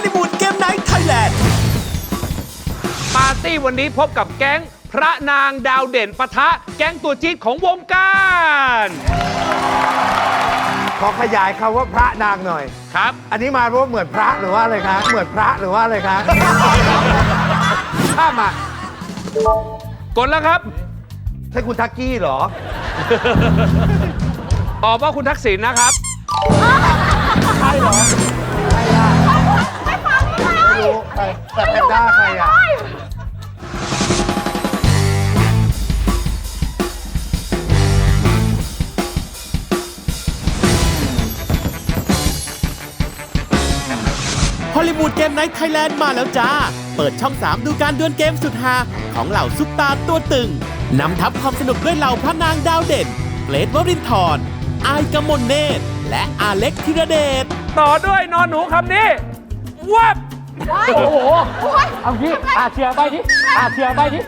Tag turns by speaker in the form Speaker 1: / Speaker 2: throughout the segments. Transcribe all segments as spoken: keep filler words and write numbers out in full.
Speaker 1: ลิวูดเกมไนท์ไทยแลนด์
Speaker 2: ปาร์ตี้วันนี้พบกับแก๊งพระนางดาวเด่นปะทะแก๊งตัวจี๊ดของวงการ
Speaker 3: ขอขยายคำว่าพระนางหน่อย
Speaker 2: ครับ
Speaker 3: อันนี้มาเพราะว่าเหมือนพระหรือว่าอะไรคะเหมือนพระหรือว่าอะไรคะข้ามมาก
Speaker 2: ดแล้วครับ
Speaker 3: ใช่คุณทักกี้เหรอ
Speaker 2: ตอบว่าคุณทักษิณนะครับ
Speaker 3: ใช่เหรอใครอ่ะไม่รู้ใครแต่แพนด้าใครอ่ะ
Speaker 1: ฮอลลีวูดเกมไนท์ไทยแลนด์มาแล้วจ้าเปิดช่องสามดูการดวลเกมสุดฮาของเหล่าซุปตาตัวตึงนำทัพความสนุกด้วยเหล่าพระนางดาวเด่นเกรทวรินทร์อายกมลเนตรและอาเล็กธีรเดช
Speaker 2: ต่อด้วยนอนหนูคำนี้วับ
Speaker 4: โอ้โหเอางี้อาเชียร์ไปดิอาเชียร์ไปดิ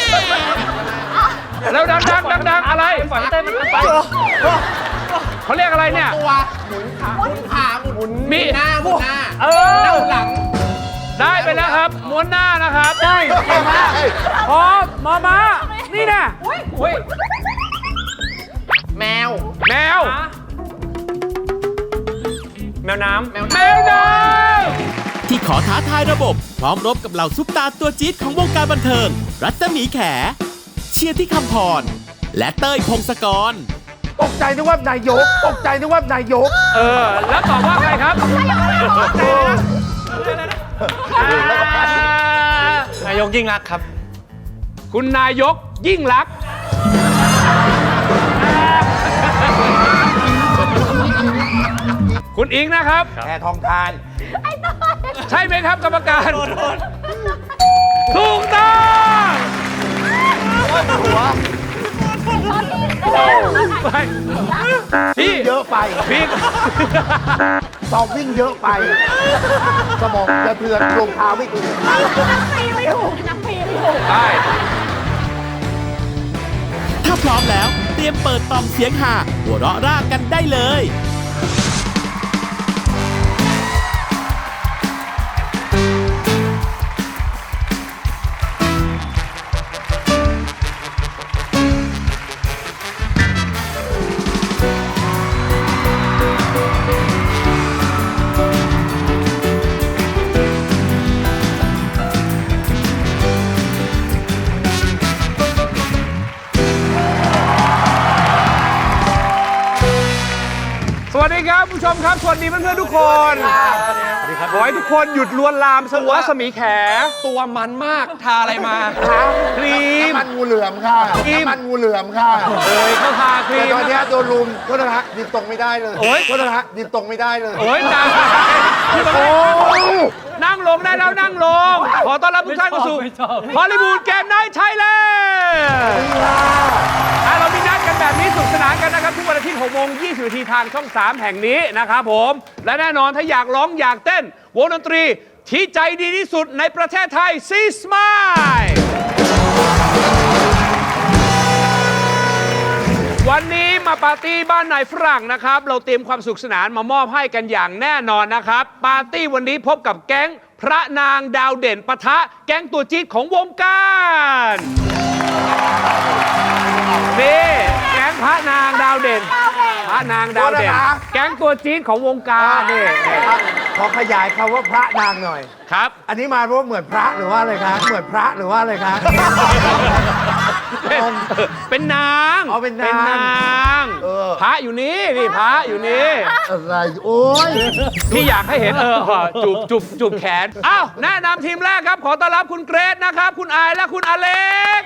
Speaker 2: แล้วดังดังดังดังอะไร
Speaker 4: ฝันเต้นมันไป
Speaker 2: เขาเรียกอะไรเนี่ย
Speaker 4: ตัวหมุนขาหมุนขาหมุน
Speaker 2: มี
Speaker 4: หน้าหมุนหน้า
Speaker 2: เออ
Speaker 4: หลัง
Speaker 2: ได้ไปแล้วครับม้วนหน้านะครับ
Speaker 4: ได้
Speaker 2: พร้อมมามานี่นะ
Speaker 4: แมว
Speaker 2: แมว
Speaker 4: แมวน้ำแมว
Speaker 2: น้
Speaker 1: ำที่ขอท้าทายระบบพร้อมรบกับเหล่าซุปตาตัวจี๊ดของวงการบันเทิงรัศมีแขเชียร์ที่คำพรและเต้ยพงศกร
Speaker 3: ตกใจนึกว่านายกตกใจนึกว่านายก
Speaker 2: เออแล้วตอบว่าใครครับ
Speaker 4: นายกยิ่งรักครับ
Speaker 2: คุณนายกยิ่งรักคุณอิงนะครับ
Speaker 3: แพทองทาน
Speaker 2: ใช่ไหมครับกรรมการถูกต้อง
Speaker 3: หัว
Speaker 2: พี่
Speaker 3: เยอะไป
Speaker 2: พี่
Speaker 3: สอบวิ่งเยอะไปสมองกระเทือนรองเท้าไม่ถึง
Speaker 4: นักปีไม่ถูกนักปีไม่ถูก
Speaker 2: ได้
Speaker 1: ถ้าพร้อมแล้วเตรียมเปิดต่อมเสียงหาหัวเราะร่ากันได้เลย
Speaker 2: สวัสดีครับผู้ชมครับสวัสดีเพื่อนๆทุกคนขอให้ทุกคนหยุดลวนลามสวัสมีแข
Speaker 4: ตัวมันมากทาอะไรมา
Speaker 2: ครีม
Speaker 3: น้ำมันงูเหลือมค่ะน้ำมันงูเหลือมค่ะ
Speaker 2: เอ้ยเขาทาครีม
Speaker 3: แต่ตอนนี้โดนลุมโทษนะฮะดินตรงไม่ได้เลย
Speaker 2: โอ้ย
Speaker 3: โทษนะฮะดินตรงไม่ได้เลย
Speaker 2: โอ้ยจังนั่งลงได้แล้วนั่งลงขอต้อนรับทุกท่านเข้าสู่ฮอลลีวูดเกมไนท์ไทยแลนด์เรามีนัดกันแบบนี้สนุกสนานกันนะครับทุกวันอาทิตย์หกโมงยี่สิบนาทีทางช่องสามแห่งนี้นะครับผมและแน่นอนถ้าอยากร้องอยากเต้นวงดนตรีที่ใจดีที่สุดในประเทศไทยซีสมายวันนี้มาปาร์ตี้บ้านนายฝรั่งนะครับเราเตรียมความสุขสนานมามอบให้กันอย่างแน่นอนนะครับปาร์ตี้วันนี้พบกับแก๊งพระนางดาวเด่นปะทะแก๊งตัวจี๊ดของวงการนี่แก๊งพระนางดาวเด่นพระนางดาวเด่นแก๊งตัวจี๊ดของวงการนี่
Speaker 3: ขอขยายคำว่าพระนางหน่อย
Speaker 2: ครับ
Speaker 3: อันนี้มาเพราะว่าเหมือนพระหรือว่าอะไรคะเหมือนพระหรือว่าอะไรคะ
Speaker 2: เป็นนาง
Speaker 3: เอาเป็นนาง
Speaker 2: พระอยู่นี่นี่พระอยู่นี่
Speaker 3: อะไรโอ้ย
Speaker 2: พี่อยากให้เห็นเออจูบจูบจูบแขนอ้าวแนะนำทีมแรกครับขอต้อนรับคุณเกรซนะครับคุณอายและคุณอเล็ก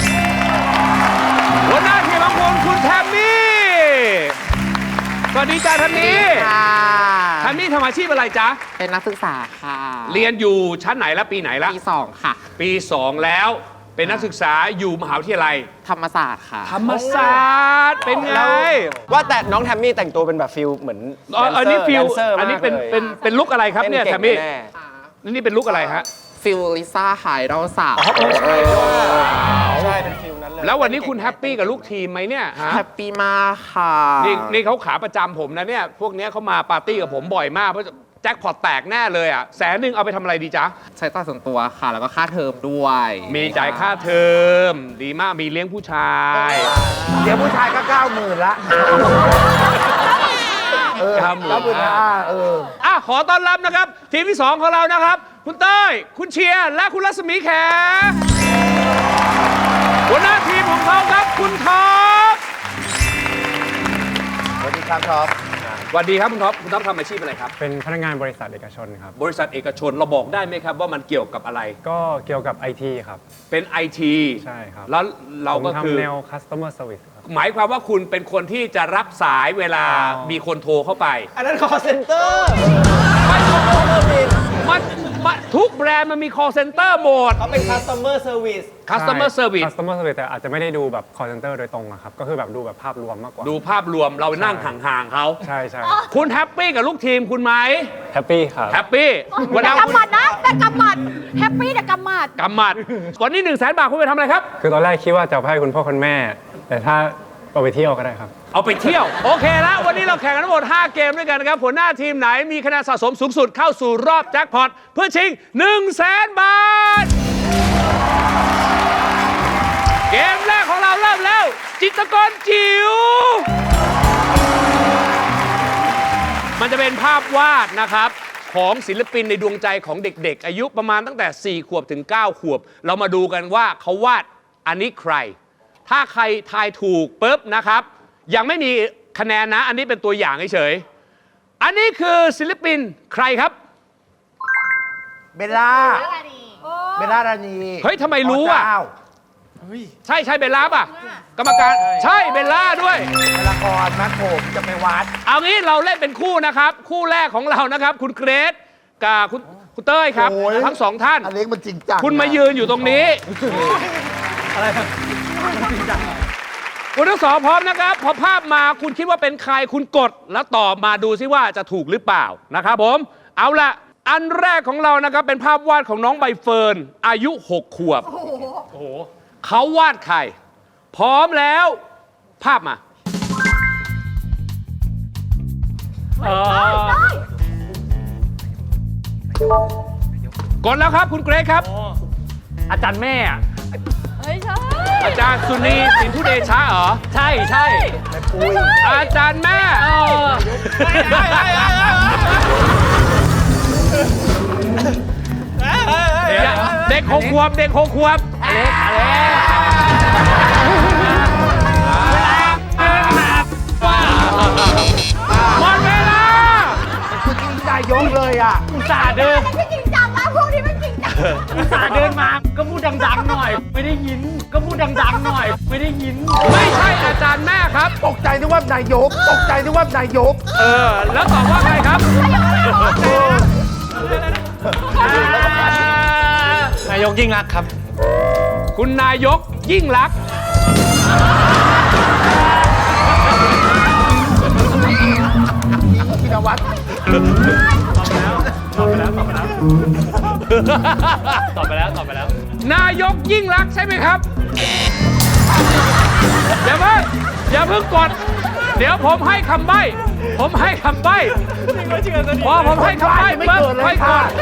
Speaker 2: หัวหน้าทีมของคุณคุณแทมมี่สวัสดีจ้าแทมมี่แทมมี่ทำอาชีพอะไรจ๊ะ
Speaker 5: เป็นนักศึกษาค่ะ
Speaker 2: เรียนอยู่ชั้นไหนและปีไหนละ
Speaker 5: ปีสองค่ะ
Speaker 2: ปีสองแล้วเป็นนักศึกษาอยู่มหาวิทยาลัย
Speaker 5: ธรรมศาสตร์ค่ะ
Speaker 2: ธรรมศาสตร์เป็นไง
Speaker 4: ว่าแต่น้องแทมมี่แต่งตัวเป็นแบบฟิลเหมือน
Speaker 2: อันนี้ฟิลอันนี้เป็นเป็นเป็นลุคอะไรครับเนี่ยแทมมี่นี่เป็นลุคอะไรฮะ
Speaker 5: ฟิลลิซ่าไฮดอลสาว
Speaker 4: ใช่เป็นฟิลนั้นเลย
Speaker 2: แล้ววันนี้คุณแฮปปี้กับลูกทีมไหมเนี่ย
Speaker 5: แฮปปี้มากค่ะ
Speaker 2: นี่นี่เขาขาประจำผมนะเนี่ยพวกนี้เขามาปาร์ตี้กับผมบ่อยมากเพราะจ็คพอตแตกแน่เลยอ่ะแสนหนึ่งเอาไปทำอะไรดีจ๊ะ
Speaker 5: ใช้จ่ายส่วนตัวค่ะ แล้วก็ค่าเทอมด้วย
Speaker 2: มีจ่ายค่าเทอมดีมากมีเลี้ยงผู้ชาย
Speaker 3: เดี๋ยวผู้ชายก็เก้าหมื่นละเออ
Speaker 2: เก้าหมื่น
Speaker 3: เก้าหมื่นห้าเออ
Speaker 2: อ่ะขอต้อนรับนะครับ ทีมที่สองของเรานะครับ คุณเต้ยคุณเชียร์และคุณรัศมีแขหัวหน้าทีมของเขาครับคุณท็อป
Speaker 3: สวัสดีครับท็อป
Speaker 2: สวัสดีครับคุณท็อปคุณท็อปทำอาชีพอะไรครับ
Speaker 6: เป็นพนักงานบริษัทเอกชนครับ
Speaker 2: บริษัทเอกชนเราบอกได้ไหมครับว่ามันเกี่ยวกับอะไร
Speaker 6: ก็เกี่ยวกับ ไอ ที ครับ
Speaker 2: เป็น ไอ ที
Speaker 6: ใช่ครับ
Speaker 2: แล้วเรา
Speaker 6: ผม
Speaker 2: ก็คือ
Speaker 6: ทำแนว customer service ครับ
Speaker 2: หมายความว่าคุณเป็นคนที่จะรับสายเวลา
Speaker 6: อ๋อ
Speaker 2: มีคนโทรเข้าไป
Speaker 3: อันนั้น call center
Speaker 2: มันมันมันทุกแบรนด์มันมี call center หมด
Speaker 3: เขาเป็น customer service
Speaker 2: customer
Speaker 6: ใช่
Speaker 2: service
Speaker 6: customer service แต่อาจจะไม่ได้ดูแบบ call center โดยตรงอะครับ ก็คือแบบดูแบบภาพรวมมากกว่า
Speaker 2: ดูภาพรวมเรานั่งห่างๆเขา
Speaker 6: ใช่ใช่
Speaker 2: คุณแฮปปี้กับลูกทีมคุณไหม
Speaker 6: แฮปปี้ครับ
Speaker 2: แฮปปี้วัน
Speaker 7: แต่
Speaker 2: นั้นคุณ
Speaker 7: กำหมัดนะแต่กำหมัดแฮปปี้แต่กำหมัด
Speaker 2: กำหมัดวันนี้หนึ่งแสนบาทคุณไปทำอะไรครับ
Speaker 6: คือตอนแรกคิดว่าจะเอาไปให้คุณพ่อคุณแม่ แต่ถ้าเอาไปเที่ยวก็ได้ครับ
Speaker 2: เอาไปเที่ยว โอเคแล้ววันนี้เราแข่งกันทั้งหมดห้าเกมด้วยกันนะครับหัวหน้าทีมไหนมีคะแนนสะสมสูงสุดเข้าสู่รอบแจ็คพอตเพื่อชิงหนึ่งแสนบาท เกมแรกของเราเริ่มแล้ว จิตรกรจิ๋วมันจะเป็นภาพวาดนะครับของศิลปินในดวงใจของเด็กๆ อายุประมาณตั้งแต่สี่ขวบถึงเก้าขวบ เรามาดูกันว่าเขาวาดอันนี้ใคร ถ้าใครทายถูกปุ๊บนะครับ ยังไม่มีคะแนนนะ อันนี้เป็นตัวอย่างเฉยๆอันนี้คือศิลปินใครครับ
Speaker 3: เบลล่า เบลล่ารานี
Speaker 2: เฮ้ยทำไมรู้อ่ะ
Speaker 3: เจ้า
Speaker 2: ใช่ใช่เบลล่าป่ะ กรรมการใช่เบลล่าด้วย
Speaker 3: ในละครมัดผมจะไปวัด
Speaker 2: เอางี้เราเล่นเป็นคู่นะครับ คู่แรกของเรานะครับ คุณเกรซกับคุณคุณเต้ยครับ
Speaker 3: โอ้ย
Speaker 2: ทั้งสองท่าน
Speaker 3: อันเล็กมันจริงจัง
Speaker 2: คุณมายืนอยู่ตรงนี้ คุณทั้งสองพร้อมนะครับ พอภาพมาคุณคิดว่าเป็นใครคุณกดแล้วตอบมาดูซิว่าจะถูกหรือเปล่านะครับผม เอาละอันแรกของเรานะครับ เป็นภาพวาดของน้องใบเฟิร์นอายุหกขวบเขาวาดใคร พร้อมแล้ว ภาพมา กดแล้วครับคุณเกรซครับ
Speaker 4: อาจารย์แม่อะ
Speaker 7: เฮ้ยใช่
Speaker 2: อาจารย์สุนีสินทุเดชะเหรอ
Speaker 4: ใช่ใช่
Speaker 2: อาจารย์แม่
Speaker 4: เออ
Speaker 2: เด็กหกขวบเด็กหกขวบ
Speaker 4: อเล็กอเล็ก
Speaker 2: หมดเวลา
Speaker 3: คุณจริงนายกเลยอ่ะ
Speaker 4: อุตส่าห์เดิน
Speaker 7: ไม่จริงจังนะพวกนี้ไม่จริงจัง
Speaker 4: อุตส่าห์เดินมาก็พูดดังๆหน่อย ไม่ได้ยิน ก็พูดดังๆหน่อย ไม่ได้ยิน
Speaker 2: ไม่ใช่อาจารย์แม่ครับ
Speaker 3: ตกใจนึกว่านายก ตกใจนึกว่านายก
Speaker 2: เออ แล้วตอบว่าใครครับ
Speaker 4: นายกยิ่งรักครับ
Speaker 2: คุณนายกยิ่งรักษณ์
Speaker 3: พินวัตร
Speaker 4: ตอบไปแล้ว ตอบไปแล้ว ตอบไปแล้ว ตอบไปแล้ว
Speaker 2: นายกยิ่งรักษณ์ใช่ไหมครับ อย่าเพิ่งอย่าเพิ่งกด เดี๋ยวผมให้คำใบ้ ผมให้คำใบ้พอผมให้คำใบ้
Speaker 3: ไม่
Speaker 2: ปุ๊บ
Speaker 3: เกิดเล
Speaker 2: ค่อย ยก
Speaker 3: ค่ะ
Speaker 2: ด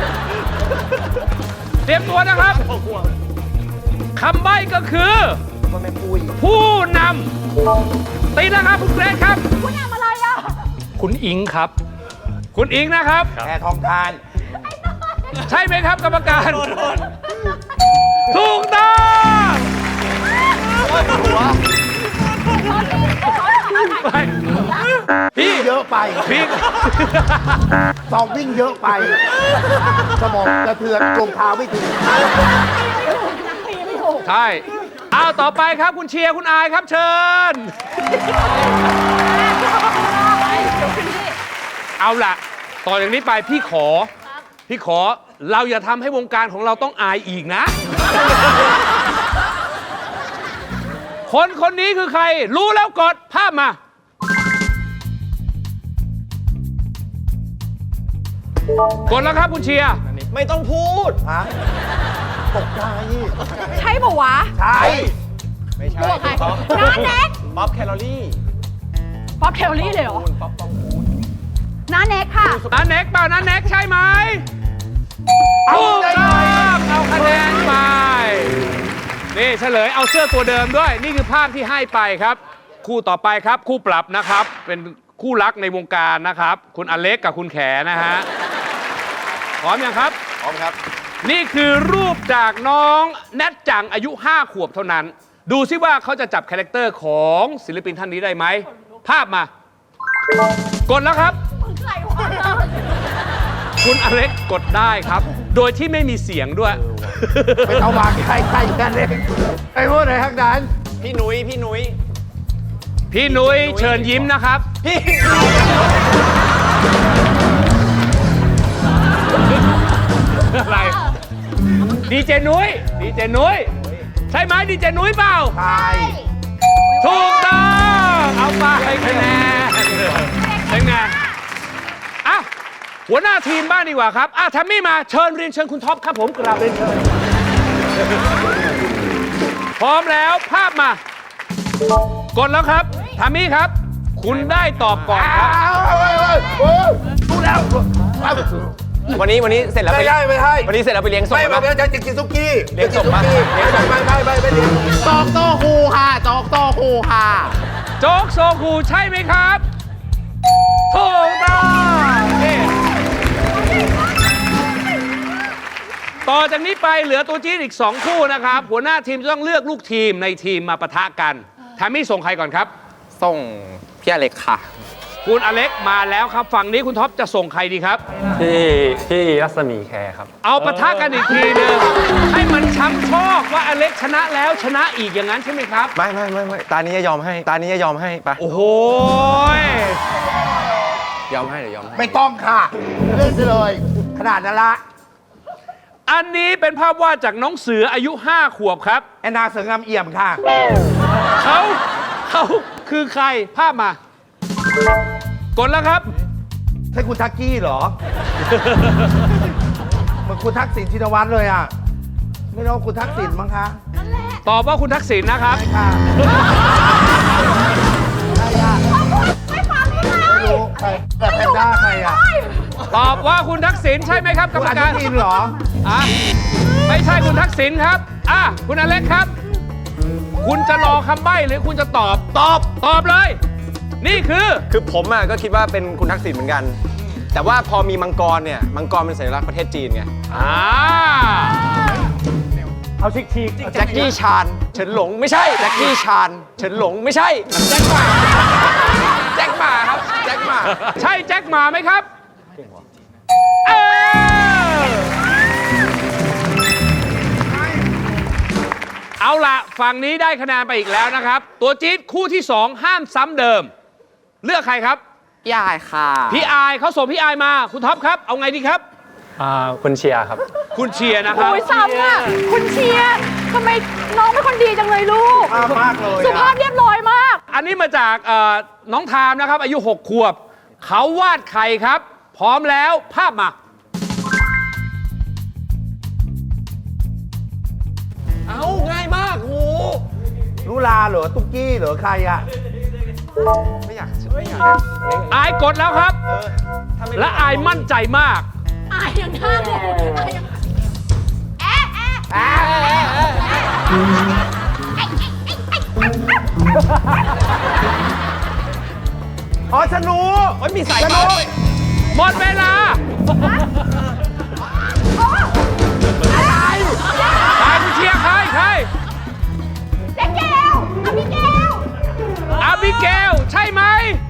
Speaker 2: เตรียมตัวนะครับ คำใบ้ก็คือ
Speaker 3: มันเป็นปุย
Speaker 2: ผู้นำตีนะครับคุณเกรซครับ
Speaker 7: คุณทำอะไรอ่ะ
Speaker 4: คุณอิงครับ
Speaker 2: คุณอิงนะครับ
Speaker 3: แพทองทาน
Speaker 2: ใช่ไหมครับกรรมการ ถูกต้อง ไปพี่
Speaker 3: เยอะไป
Speaker 2: พี่
Speaker 3: สองวิ่งเยอะไป สมองกระเทือนรองเท้าไม่ถึง
Speaker 2: ใช่เอาต่อไปครับคุณเชียร์คุณอายครับเชิญ เอาล่ะ ต่อจากนี้ไปพี่ขอ พี่ขอเราอย่าทำให้วงการของเราต้องอายอีกนะ คนคนนี้คือใคร รู้แล้วกดภาพมา กดแล้วครับคุณเชียร์
Speaker 3: ไม่ต้องพูด ฮะ ตกใจ
Speaker 7: ใช่ปะวะ
Speaker 3: ใช่
Speaker 7: ตัวใครน้าแน็ก
Speaker 3: บ๊อบแคลอรี่
Speaker 7: ป๊อปเทลลี่เลยเหรอน้าเน็กค่ะ
Speaker 2: นันเน็กเปล่านันเน็กใช่ไหมถูกต้องเอาคะแนนไปนี่เฉลยเอาเสื้อตัวเดิมด้วยนี่คือภาพที่ให้ไปครับ คู่ต่อไปครับคู่ปรับนะครับ เป็นคู่รักในวงการนะครับ คุณอเล็กกับคุณแขนะฮะพร้อมยังครับพร้อมครับนี่คือรูปจากน้องแนทจังอายุห้าขวบเท่านั้น ดูซิว่าเขาจะจับคาแรคเตอร์ของศิลปินท่านนี้ได้ไหมภาพมากดแล้วครับคุณอเล็กกดได้ครับ โดยที่ไม่มีเสียงด้วย
Speaker 3: ไปเอามาใครใครกันเลยไอ้พวกไหนทักนั้น
Speaker 5: พี่นุ้ยพี่นุ้ย
Speaker 2: พี่นุ้ยเชิญยิ้มนะครับพี่อะไรดีเจนุ้ยดีเจนุ้ยใช่ไหมดีเจนุ้ยเปล่า
Speaker 3: ใช่
Speaker 2: ถูกต้องเอาไปคะแนนเป็นไงอ่ะหัวหน้าทีมบ้างดีกว่าครับอ่ะแทมมี่มาเชิญเรียนเชิญคุณท็อปครับผมกราบเรียนเชิญพร้อมแล้วภาพมากดแล้วครับแทมมี่ครับ คุณได้ตอบก่อนครับ
Speaker 3: รู้แล้ว
Speaker 5: วันนี้วันนี้เสร็จแล้ว
Speaker 3: ไม่
Speaker 5: ไป
Speaker 3: ได้ไม่ได้
Speaker 5: วันนี้เสร็จแล้วไปเลี้ยงส่ง
Speaker 3: ไม่
Speaker 5: ไหม
Speaker 3: ไม่จะกินซุกี้
Speaker 5: เลี้ยงส่งปะ
Speaker 3: ไม่ไม่ไม่ไม่เลี้ยง
Speaker 5: จอกโตคูค่ะจอกโตคูค่ะ
Speaker 2: โจ๊กโซคูใช่ไหมครับถูกต้องนี่ต่อจากนี้ไปเหลือตัวจี๊ดอีกสองคู่นะครับ หัวหน้าทีมจะต้องเลือกลูกทีมในทีมมาปะทะกันแทมมี่ส่งใครก่อนครับ
Speaker 5: ส่งพี่อเล็กค่ะ
Speaker 2: คุณอเล็กมาแล้วครับฝั่งนี้คุณท็อปจะส่งใครดีครับ
Speaker 6: พี่พี่รัศมีแคร์ครับ
Speaker 2: เอาปะทะกันอีกทีหนึงให้มันช้ำชอกว่าอเล็กชนะแล้วชนะอีกอย่างนั้นใช่ไหมครับ
Speaker 5: ไม่ไม่ไม่ไม่ตานี้จะยอมให้ ตานี้จะยอมให้ไป
Speaker 2: โอ้โห
Speaker 5: ยอมให้เดี๋ยวยอมให้
Speaker 3: ไม่ต้องค่ะเล่นเลย ขนาดนั้นละ
Speaker 2: อันนี้เป็นภาพวาดจากน้องเสืออายุห้าขวบครับ
Speaker 3: แอนนาเสืองามเอี่ยมค่ะ
Speaker 2: เขาเขาคือใครภาพมากดแล้วครับ
Speaker 3: ใช่คุณทักกี้เหรอ เหมือนคุณทักษิณชินวัตรเลยอ่ะ ไม่รู้คุณทักษิณมั้งคะ
Speaker 2: ตอบว่าคุณทักษิณนะครับ
Speaker 3: ใช่ค่ะใช่ค่ะ
Speaker 7: ไม่ฟังเลย
Speaker 3: ไม่รู้ใครแต่แพนด้าใครอ่ะ
Speaker 2: ตอบว่าคุณทักษิณใช่ไหมครับกร
Speaker 3: คุณ
Speaker 2: รม
Speaker 3: อนุ
Speaker 2: การ
Speaker 3: ทินเหรอ
Speaker 2: อ่ะไม่ใช่คุณทักษิณครับอ่ะคุณอเล็กครับ คุณจะรอคำใบ้หรือคุณจะตอบตอบตอบเลย นี่คือ
Speaker 5: คือผมอ่ะก็คิดว่าเป็นคุณทักษิณเหมือนกัน แต่ว่าพอมีมังกรเนี่ย มังกรเป็นสัญลักษณ์ประเทศจีนไง
Speaker 2: อ่า
Speaker 4: เอาชิกชีก
Speaker 5: แจ็คกี้ชานเฉินหลงไม่ใช่ แจ็คกี้ชานเฉินหลงไม่ใช่ แจ็คหมา แจ็คหมาครับ แจ็คหมา
Speaker 2: ใช่แจ็คหมาไหมครับเออเอาละฝั่งนี้ได้คะแนนไปอีกแล้วนะครับ ตัวจี๊ดคู่ที่สองห้ามซ้ำเดิม เลือกใครครับ
Speaker 5: พี่อายค่ะ
Speaker 2: พี่อายเขาส่งพี่อายมาคุณท็อปครับ เอาไงดีครับ
Speaker 6: อ่าคุณเชียร์ครับ
Speaker 2: คุณเชียร์นะครับ
Speaker 7: โอ้ยซ้ำอ่ะ คุณเชียร์ทำไมน้องเป็นคนดีจังเลยลูก
Speaker 3: ภาพมากเลย
Speaker 7: สุภา
Speaker 3: อะ
Speaker 7: พเรียบร้อยมาก
Speaker 2: อันนี้มาจากเอ่อน้องทามนะครับ อายุหกขวบ เขาวาดไข่ครับ พร้อมแล้วภาพมา
Speaker 5: เอาง่ายมากโห
Speaker 3: ลุลาเหรอ ตุ๊กกี้เหรอ ใครอ่ะ
Speaker 5: ไม่อยาก
Speaker 2: อายกดแล้วครับ และอายมั่นใจมาก
Speaker 7: อายยังห้ามเลยอายยังแอะแอะ
Speaker 3: อ๋อฉันรู้
Speaker 5: โอ้ยมีสายฟ้าด้วย
Speaker 2: หมดเวลาใครคุณเชียร์ใครใคร
Speaker 7: เจ๊แก้วอภิแก้ว
Speaker 2: อาบิเกลใช่ไหม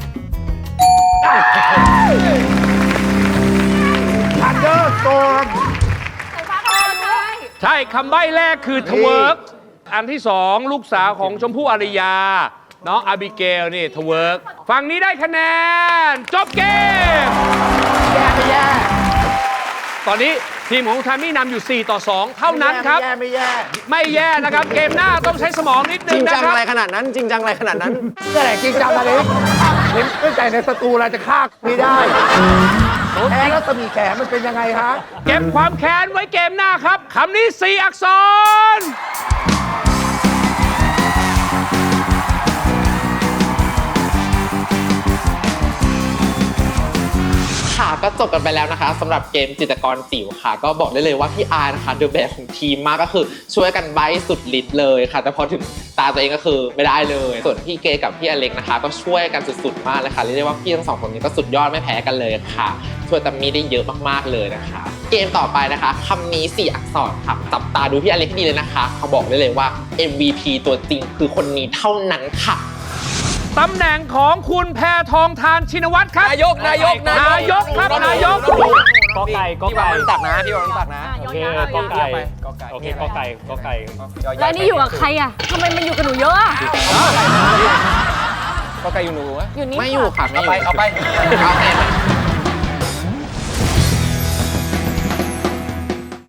Speaker 3: ทันเดอร์สโตร์ม
Speaker 7: สายฟ้าก็ได้
Speaker 2: ใช่คำใบ้แรกคือทเวิร์กอันที่สองลูกสาวของชมพู่อารยา น้องอาบิเกลนี่ทเวิร์กฝั่งนี้ได้คะแนน จบเกม
Speaker 3: แย่ไม่แย่
Speaker 2: ตอนนี้ทีมของทามี่นำอยู่สี่ต่อสองเท่านั้นครับ
Speaker 3: ไม่แย่ไม่แย่
Speaker 2: ไม่แย่นะครับ เกมหน้าต้องใช้สมองนิด
Speaker 5: จ
Speaker 2: นึ
Speaker 5: ริ
Speaker 2: ง
Speaker 5: ง
Speaker 2: นะ
Speaker 5: จัง
Speaker 2: ครั
Speaker 5: อะไร
Speaker 2: บ
Speaker 5: ขนาดนั้น จริงจังอะไรขนาดนั้น
Speaker 3: นี่แหละจริงจังอะไรเห็นตั้งแต่ในสตูเราจะฆ่าไม่ได้แพ้แล้วจะมีแขนมันเป็นยังไงฮะ
Speaker 2: เก็บความแค้นไว้เกมหน้าครับคำนี้สี่อักษร
Speaker 8: ค่ะก็จบกันไปแล้วนะคะสำหรับเกมจิตรกรจิ๋วค่ะก็บอกได้เลยว่าพี่อาร์นะคะเดอะแบกของทีมมากก็คือช่วยกันใบ้สุดฤทธิ์เลยค่ะแต่พอถึงตาตัวเองก็คือไม่ได้เลยส่วนพี่เกกับพี่อเล็กนะคะก็ช่วยกันสุดๆมากเลยค่ะเรียกได้ว่าพี่ทั้งสองคนนี้ก็สุดยอดไม่แพ้กันเลยค่ะช่วยตัมมี่ได้เยอะมากๆเลยนะคะเกมต่อไปนะคะคำนี้สี่อักษรค่ะจับตาดูพี่อเล็กให้ดีเลยนะคะเขาบอกได้เลยว่า เอ็ม วี พี ตัวจริงคือคนนี้เท่านั้นค่ะ
Speaker 2: ตำแหน่งของคุณแพทองธารชินวัตรครับ
Speaker 5: นายกนายก
Speaker 2: นายกครับนายก
Speaker 4: กอไก่กอ
Speaker 5: พี่วา
Speaker 4: ไก่
Speaker 5: งมันตักนะพี่วางมันตักนะ
Speaker 4: โอเคกอไก่โอเคกอไก่กอไก่
Speaker 7: แล้วนี่อยู่กับใครอ่ะทำไมมันอยู่กับหนูเยอะอ่ะ
Speaker 5: ก็ไก่อยู่หนู
Speaker 7: อยู่นี่
Speaker 8: ไม่อยู่ค่ะไม่อยู่
Speaker 5: เอาไปเอาไป